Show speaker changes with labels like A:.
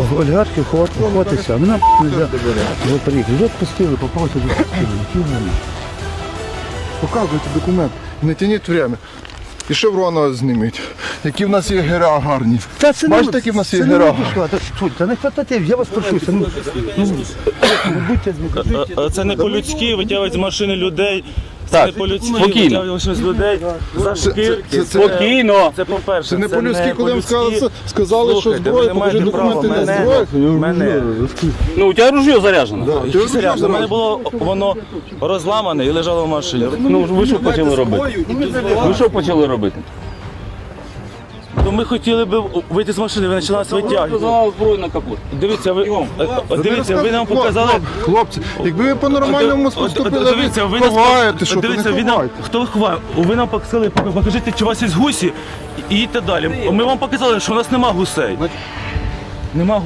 A: олігархів ховатися, а мене не можна було приїхати. Вже відпустили, попався до відпустили.
B: Показуйте документ, не тяніть время. І шеврона зніміть. Які в нас є гера гарні. Бачите, які в нас є гера?
A: Та не хватайте, я вас прошу. Будьте
C: Це не по-людськи витягують з машини людей. Це
D: Так,
C: не по-людськи
D: спокійно.
C: витягують з людей за шкірки.
D: Спокійно.
C: Це по-перше.
B: Це не по-людськи, коли вам
C: по-людськи.
B: сказали, що
C: Слухайте,
B: зброя,
C: ви не
B: покажи
C: маєте права.
B: документи на зброю.
C: Мене.
D: Ну, у тебе ружье заряджено.
C: Які серйозно? У мене було воно розламане і лежало в машині.
D: Ну, ви що почали робити? Ви що почали робити?
C: То ми хотіли б вийти з машини, ви почали нас витягувати.
D: Показала зброю на капот.
C: Дивіться, ви нам показали.
B: Хлопці, якби ви по-нормальному поступили,
C: Дивіться, ви
B: ви
C: нас
B: ховаєте, що ви
C: дивіться,
B: не
C: ви нам
B: ховаєте.
C: хто ховає? Ви нам показали, покажіть, чи у вас є гусі, і їдьте далі. Ми вам показали, що у нас нема гусей. Нема